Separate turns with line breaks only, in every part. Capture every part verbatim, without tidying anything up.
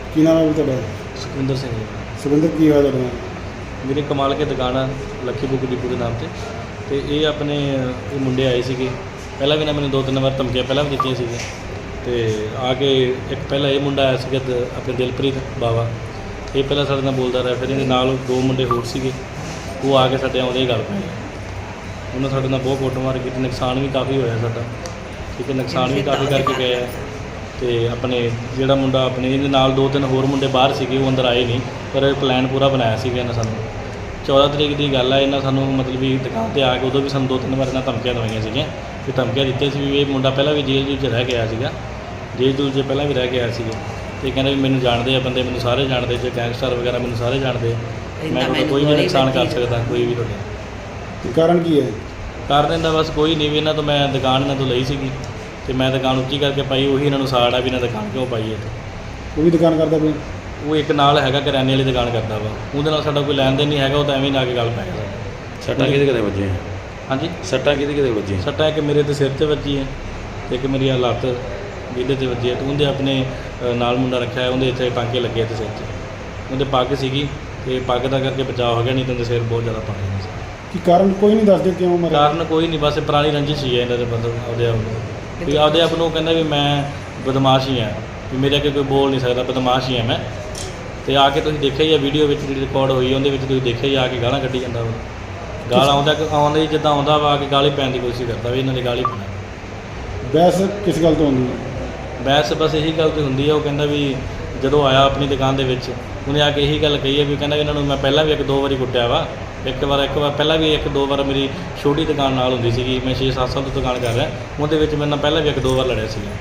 ਕੀ ਨਾਮ ਹੈ ਵੀ ਤੁਹਾਡਾ?
ਸੁਖਵਿੰਦਰ ਸਿੰਘ ਜੀ।
ਸੁਖਵਿੰਦਰ, ਕੀ ਹੋਇਆ ਤੁਹਾਡੇ ਨਾਲ?
ਮੇਰੀ ਕਮਾਲ ਕੇ ਦੁਕਾਨ ਆ ਲੱਖੀ ਬੁੱਕ ਡਿਪੂ ਦੇ ਨਾਮ 'ਤੇ ਅਤੇ ਇਹ ਆਪਣੇ ਇਹ ਮੁੰਡੇ ਆਏ ਸੀਗੇ। ਪਹਿਲਾਂ ਵੀ ਨਾ ਮੈਨੂੰ ਦੋ ਤਿੰਨ ਵਾਰ ਧਮਕੀਆਂ ਪਹਿਲਾਂ ਵੀ ਦਿੱਤੀਆਂ ਸੀਗੀਆਂ ਅਤੇ ਆ ਕੇ ਇੱਕ ਪਹਿਲਾਂ ਇਹ ਮੁੰਡਾ ਆਇਆ ਸੀਗਾ ਦ- ਆਪਣੇ ਦਿਲਪ੍ਰੀਤ ਬਾਵਾ, ਇਹ ਪਹਿਲਾਂ ਸਾਡੇ ਨਾਲ ਬੋਲਦਾ ਰਿਹਾ। ਫਿਰ ਇਹਦੇ ਨਾਲ ਦੋ ਮੁੰਡੇ ਹੋਰ ਸੀਗੇ, ਉਹ ਆ ਕੇ ਸਾਡੇ ਆਉਂਦੇ ਹੀ ਗੱਲ ਪਏ। ਉਹਨਾਂ ਸਾਡੇ ਨਾਲ ਬਹੁਤ ਕੁੱਟਮਾਰ ਕੀਤੀ, ਨੁਕਸਾਨ ਵੀ ਕਾਫੀ ਹੋਇਆ ਸਾਡਾ, ਠੀਕ ਹੈ, ਨੁਕਸਾਨ ਵੀ ਕਾਫੀ ਕਰਕੇ ਗਏ ਆ। ਅਤੇ ਆਪਣੇ ਜਿਹੜਾ ਮੁੰਡਾ ਆਪਣੇ ਇਹਦੇ ਨਾਲ ਦੋ ਤਿੰਨ ਹੋਰ ਮੁੰਡੇ ਬਾਹਰ ਸੀਗੇ, ਉਹ ਅੰਦਰ ਆਏ ਨਹੀਂ, ਪਰ ਪਲਾਨ ਪੂਰਾ ਬਣਾਇਆ ਸੀਗਾ ਇਹਨਾਂ ਸਾਨੂੰ। ਚੌਦ੍ਹਾਂ ਤਰੀਕ ਦੀ ਗੱਲ ਹੈ, ਇਹਨਾਂ ਸਾਨੂੰ ਮਤਲਬ ਵੀ ਦੁਕਾਨ 'ਤੇ ਆ ਕੇ ਉਦੋਂ ਵੀ ਸਾਨੂੰ ਦੋ ਤਿੰਨ ਵਾਰ ਇਹਨਾਂ ਧਮਕੀਆਂ ਦਵਾਈਆਂ ਸੀਗੀਆਂ ਕਿ ਧਮਕੀਆਂ ਦਿੱਤੀਆਂ ਸੀ ਵੀ ਇਹ ਮੁੰਡਾ ਪਹਿਲਾਂ ਵੀ ਜੇਲ੍ਹ ਜੂਲ੍ਹ 'ਚ ਰਹਿ ਕੇ ਆਇਆ ਸੀਗਾ, ਜੇਲ੍ਹ ਜੂਲ੍ਹ 'ਚ ਪਹਿਲਾਂ ਵੀ ਰਹਿ ਕੇ ਆਇਆ ਸੀਗਾ। ਅਤੇ ਕਹਿੰਦੇ ਵੀ ਮੈਨੂੰ ਜਾਣਦੇ ਆ ਬੰਦੇ, ਮੈਨੂੰ ਸਾਰੇ ਜਾਣਦੇ, ਜੇ ਗੈਂਗਸਟਰ ਵਗੈਰਾ ਮੈਨੂੰ ਸਾਰੇ ਜਾਣਦੇ, ਮੈਂ ਤੁਹਾਡਾ ਕੋਈ ਵੀ ਨੁਕਸਾਨ ਕਰ ਸਕਦਾ, ਕੋਈ ਵੀ ਤੁਹਾਡਾ।
ਕਾਰਨ ਕੀ ਹੈ?
ਕਾਰਨ ਇਹਦਾ ਬਸ ਕੋਈ ਨਹੀਂ, ਵੀ ਇਹਨਾਂ ਤੋਂ ਮੈਂ ਦੁਕਾਨ ਇਹਨਾਂ ਤੋਂ ਲਈ ਸੀਗੀ ਅਤੇ ਮੈਂ ਦੁਕਾਨ ਉੱਚੀ ਕਰਕੇ ਪਾਈ, ਉਹੀ ਇਹਨਾਂ ਨੂੰ ਸਾੜ ਆ ਵੀ ਇਹਨਾਂ ਦੁਕਾਨ ਕਿਉਂ ਪਾਈ ਇੱਥੇ।
ਉਹ ਵੀ ਦੁਕਾਨ ਕਰਦਾ ਕੋਈ?
ਉਹ ਇੱਕ ਨਾਲ ਹੈਗਾ ਕਰਿਆਨੇ ਵਾਲੀ ਦੁਕਾਨ ਕਰਦਾ ਵਾ, ਉਹਦੇ ਨਾਲ ਸਾਡਾ ਕੋਈ ਲੈਣ ਦੇਣ ਨਹੀਂ ਹੈਗਾ, ਉਹ ਤਾਂ ਐਵੇਂ ਨਾ ਕੇ ਗੱਲ ਪੈ ਗਿਆ ਸਾਡਾ।
ਸੱਟਾਂ ਕਿਹਦੇ ਕਿਹਦੇ ਵੱਜੀਆਂ?
ਹਾਂਜੀ,
ਸੱਟਾਂ ਕਿਹਦੇ ਕਿਹਦੇ ਵੱਜੀਆਂ?
ਸੱਟਾਂ ਇੱਕ ਮੇਰੇ ਤੇ ਸਿਰ 'ਤੇ ਵੱਜੀ ਹੈ ਅਤੇ ਇੱਕ ਮੇਰੀ ਆਹ ਲੱਤ ਵਿਹਲੇ 'ਤੇ ਵੱਜੀ ਹੈ। ਅਤੇ ਉਹਦੇ ਆਪਣੇ ਅ, ਨਾਲ ਮੁੰਡਾ ਰੱਖਿਆ ਹੈ, ਉਹਦੇ ਇੱਥੇ ਟਾਂਕੇ ਲੱਗੇ ਤੇ ਸਿਰ 'ਚ, ਉਹਦੇ ਪੱਗ ਸੀਗੀ ਅਤੇ ਪੱਗ ਦਾ ਕਰਕੇ ਬਚਾਅ ਹੋ ਗਿਆ, ਨਹੀਂ ਤਾਂ ਉਹਦੇ ਸਿਰ ਬਹੁਤ ਜ਼ਿਆਦਾ ਪਾਣੀ ਨਹੀਂ ਸੀ।
ਕੀ ਕਾਰਨ ਕੋਈ ਨਹੀਂ ਦੱਸਦੇ ਕਿਉਂ ਮਰਿਆ?
ਕਾਰਨ ਕੋਈ ਨਹੀਂ, ਬਸ ਪੁਰਾਣੀ ਰੰਜਿਸ਼ ਹੀ ਹੈ ਇਹਨਾਂ ਦੇ ਬੰਦੇ ਆਪਦੇ ਆਪ ਨੂੰ, ਵੀ ਆਪਦੇ ਆਪ ਨੂੰ ਕਹਿੰਦਾ ਵੀ ਮੈਂ ਬਦਮਾਸ਼ ਹੀ ਹਾਂ, ਵੀ ਮੇਰੇ ਅੱਗੇ ਕੋਈ ਬੋਲ ਨਹੀਂ ਸਕਦਾ, ਬਦਮਾਸ਼ ਹੀ ਹਾਂ ਮੈਂ। ਅਤੇ ਆ ਕੇ ਤੁਸੀਂ ਦੇਖਿਆ ਹੀ ਆ ਵੀਡੀਓ ਵਿੱਚ ਜਿਹੜੀ ਰਿਕਾਰਡ ਹੋਈ ਉਹਦੇ ਵਿੱਚ ਤੁਸੀਂ ਦੇਖਿਆ ਹੀ ਆ ਕੇ ਗਾਲਾਂ ਕੱਢੀ ਜਾਂਦਾ ਵਾ, ਗਾਲ ਆਉਂਦਾ ਆਉਂਦਾ ਹੀ ਜਿੱਦਾਂ ਆਉਂਦਾ ਵਾ, ਆ ਕੇ ਗਾਲੀ ਪੈਣ ਦੀ ਕੋਸ਼ਿਸ਼ ਕਰਦਾ ਵੀ ਇਹਨਾਂ ਦੀ ਗਾਲੀ ਪੈਣਾ।
ਬਹਿਸ ਕਿਸ ਗੱਲ ਤੋਂ ਹੁੰਦੀ ਹੈ?
ਬਹਿਸ ਬਸ ਇਹੀ ਗੱਲ ਤੇ ਹੁੰਦੀ ਆ, ਉਹ ਕਹਿੰਦਾ ਵੀ ਜਦੋਂ ਆਇਆ ਆਪਣੀ ਦੁਕਾਨ ਦੇ ਵਿੱਚ ਉਹਨੇ ਆ ਕੇ ਇਹੀ ਗੱਲ ਕਹੀ ਹੈ ਵੀ ਕਹਿੰਦਾ ਇਹਨਾਂ ਨੂੰ ਮੈਂ ਪਹਿਲਾਂ ਵੀ ਇੱਕ ਦੋ ਵਾਰੀ ਕੁੱਟਿਆ ਵਾ, ਇੱਕ ਵਾਰ ਇੱਕ ਵਾਰ ਪਹਿਲਾਂ ਵੀ ਇੱਕ ਦੋ ਵਾਰ ਮੇਰੀ ਛੋਟੀ ਦੁਕਾਨ ਨਾਲ ਹੁੰਦੀ ਸੀਗੀ, ਮੈਂ ਛੇ ਸੱਤ ਸਾਲ ਤੋਂ ਦੁਕਾਨ ਕਰ ਰਿਹਾ, ਉਹਦੇ ਵਿੱਚ ਮੇਰੇ ਨਾਲ ਪਹਿਲਾਂ ਵੀ ਇੱਕ ਦੋ ਵਾਰ ਲੜਿਆ ਸੀਗਾ।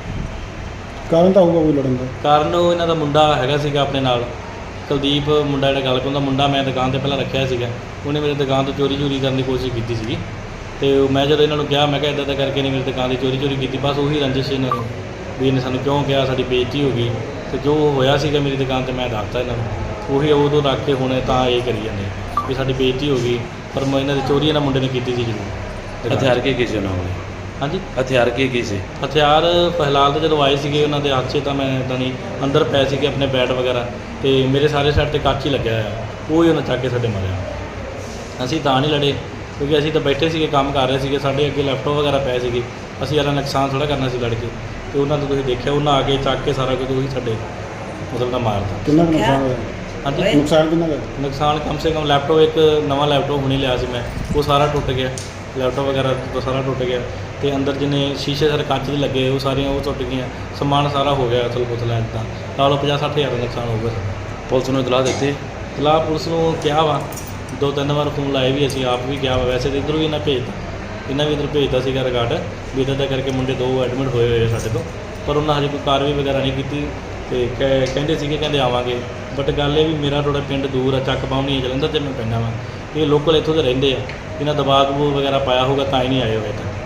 ਕਾਰਨ ਤਾਂ ਹੋਊਗਾ ਕੋਈ ਲੜਨ ਦਾ?
ਕਾਰਨ ਉਹ ਇਹਨਾਂ ਦਾ ਮੁੰਡਾ ਹੈਗਾ ਸੀਗਾ ਆਪਣੇ ਨਾਲ, ਕੁਲਦੀਪ ਮੁੰਡਾ ਜਿਹੜਾ ਗੱਲ ਪਾਉਂਦਾ ਮੁੰਡਾ, ਮੈਂ ਦੁਕਾਨ 'ਤੇ ਪਹਿਲਾਂ ਰੱਖਿਆ ਸੀਗਾ, ਉਹਨੇ ਮੇਰੀ ਦੁਕਾਨ ਤੋਂ ਚੋਰੀ ਚੋਰੀ ਕਰਨ ਦੀ ਕੋਸ਼ਿਸ਼ ਕੀਤੀ ਸੀਗੀ। ਅਤੇ ਮੈਂ ਜਦੋਂ ਇਹਨਾਂ ਨੂੰ ਕਿਹਾ, ਮੈਂ ਕਿਹਾ ਇੱਦਾਂ ਦਾ ਕਰਕੇ ਨਹੀਂ ਮੇਰੀ ਦੁਕਾਨ ਦੀ ਚੋਰੀ ਚੋਰੀ ਕੀਤੀ, ਬਸ ਉਹੀ ਰੰਜਿਸ਼ ਇਹਨਾਂ ਨੂੰ ਵੀ ਇਹਨੇ ਸਾਨੂੰ ਕਿਉਂ ਕਿਹਾ, ਸਾਡੀ ਬੇਇੱਜ਼ਤੀ ਹੋ ਗਈ। ਅਤੇ ਜੋ ਹੋਇਆ ਸੀਗਾ ਮੇਰੀ ਦੁਕਾਨ 'ਤੇ ਮੈਂ ਦੱਸਤਾ ਇਹਨਾਂ ਨੂੰ, ਉਹੀ ਉਦੋਂ ਰੱਖ ਕੇ ਹੁਣ ਤਾਂ ਇਹ ਕਰੀ ਜਾਂਦੇ ਵੀ ਸਾਡੀ ਬੇਇੱਜ਼ਤੀ ਹੋ ਗਈ, ਪਰ ਮੈਂ ਇਹਨਾਂ ਦੀ ਚੋਰੀ ਇਹਨਾਂ ਮੁੰਡੇ ਨੇ ਕੀਤੀ ਸੀ ਜ਼ਰੂਰ।
ਹਥਿਆਰ ਕੀ ਕੀ ਸੀ ਉਹਨਾਂ ਕੋਲ?
ਹਾਂਜੀ,
ਹਥਿਆਰ ਕੀ ਕੀ ਸੀ?
ਹਥਿਆਰ ਫਿਲਹਾਲ ਤਾਂ ਜਦੋਂ ਆਏ ਸੀਗੇ ਉਹਨਾਂ ਦੇ ਹੱਥ 'ਚ ਤਾਂ ਮੈਂ ਇੱਦਾਂ ਨਹੀਂ, ਅੰਦਰ ਪਏ ਸੀਗੇ ਆਪਣੇ ਬੈਟ ਵਗੈਰਾ, ਅਤੇ ਮੇਰੇ ਸਾਰੇ ਸਾਈਡ 'ਤੇ ਕੱਚ ਹੀ ਲੱਗਿਆ ਹੋਇਆ, ਉਹ ਹੀ ਉਹਨਾਂ ਚੱਕ ਕੇ ਸਾਡੇ ਮਾਰਿਆ। ਅਸੀਂ ਤਾਂ ਨਹੀਂ ਲੜੇ ਕਿਉਂਕਿ ਅਸੀਂ ਤਾਂ ਬੈਠੇ ਸੀਗੇ, ਕੰਮ ਕਰ ਰਹੇ ਸੀਗੇ, ਸਾਡੇ ਅੱਗੇ ਲੈਪਟਾਪ ਵਗੈਰਾ ਪਏ ਸੀਗੇ, ਅਸੀਂ ਯਾਰਾ ਨੁਕਸਾਨ ਥੋੜ੍ਹਾ ਕਰਨਾ ਸੀ ਲੜ ਕੇ। ਅਤੇ ਉਹਨਾਂ ਤੋਂ ਤੁਸੀਂ ਦੇਖਿਆ, ਉਹਨਾਂ ਆ ਕੇ ਚੱਕ ਕੇ ਸਾਰਾ ਕੁਝ ਉਹੀ ਸਾਡੇ ਮਤਲਬ ਦਾ ਮਾਰਤਾ।
ਕਿੰਨਾ ਕੁ ਨੁਕਸਾਨ ਹੋਇਆ?
ਹਾਂਜੀ,
ਨੁਕਸਾਨ ਕਿੰਨਾ ਕੁ?
ਨੁਕਸਾਨ ਕਮ ਸੇ ਕਮ ਲੈਪਟਾਪ, ਇੱਕ ਨਵਾਂ ਲੈਪਟਾਪ ਹੁਣੇ ਲਿਆ ਸੀ ਮੈਂ, ਉਹ ਸਾਰਾ ਟੁੱਟ ਗਿਆ, ਲੈਪਟਾਪ ਵਗੈਰਾ ਤੋਂ ਸਾਰਾ ਟੁੱਟ ਗਿਆ। ਅਤੇ ਅੰਦਰ ਜਿੰਨੇ ਸ਼ੀਸ਼ੇ ਸਾਰੇ ਕੱਚ ਦੇ ਲੱਗੇ ਉਹ ਸਾਰੀਆਂ ਉਹ ਟੁੱਟ ਗਈਆਂ, ਸਮਾਨ ਸਾਰਾ ਹੋ ਗਿਆ ਅਸਲ ਪੁਤਲਾ ਇੱਦਾਂ ਲਾ ਲਓ ਪੰਜਾਹ ਸੱਠ ਹਜ਼ਾਰ ਦਾ ਨੁਕਸਾਨ ਹੋਊਗਾ ਸਾਡਾ।
ਪੁਲਿਸ ਨੂੰ ਇਤਲਾਹ ਦਿੱਤੀ?
ਇਤਲਾਹ ਪੁਲਿਸ ਨੂੰ ਕਿਹਾ ਵਾ, ਦੋ ਤਿੰਨ ਵਾਰ ਫੋਨ ਲਾਏ ਵੀ, ਅਸੀਂ ਆਪ ਵੀ ਕਿਹਾ ਵਾ, ਵੈਸੇ ਤਾਂ ਇੱਧਰੋਂ ਵੀ ਇਹਨਾਂ ਭੇਜਤਾ, ਇਹਨਾਂ ਵੀ ਇੱਧਰ ਭੇਜਤਾ ਸੀਗਾ ਰਿਕਾਰਡ ਵੀ ਇੱਦਾਂ ਦਾ ਕਰਕੇ ਮੁੰਡੇ ਦੋ ਐਡਮਿਟ ਹੋਏ ਹੋਏ ਆ ਸਾਡੇ ਤੋਂ, ਪਰ ਉਹਨਾਂ ਹਜੇ ਕੋਈ ਕਾਰਵਾਈ ਵਗੈਰਾ ਨਹੀਂ ਕੀਤੀ। ਅਤੇ ਕਹਿ ਕਹਿੰਦੇ ਸੀਗੇ ਕਹਿੰਦੇ ਆਵਾਂਗੇ, ਬਟ ਗੱਲ ਇਹ ਵੀ ਮੇਰਾ ਥੋੜ੍ਹਾ ਪਿੰਡ ਦੂਰ ਆ, ਚੱਕ ਪਾਉਣੀ ਹੈ ਜਲੰਧਰ 'ਤੇ ਮੈਂ ਪੈਂਦਾ ਵਾ, ਇਹ ਲੋਕਲ ਇੱਥੋਂ ਦੇ ਰਹਿੰਦੇ ਆ, ਇਹਨਾਂ ਦਬਾਅ ਦਬੂਅ ਵਗੈਰਾ ਪਾਇਆ ਹੋਊਗਾ ਤਾਂ ਹੀ ਨਹੀਂ ਆਏ ਹੋਏ ਤਾਂ।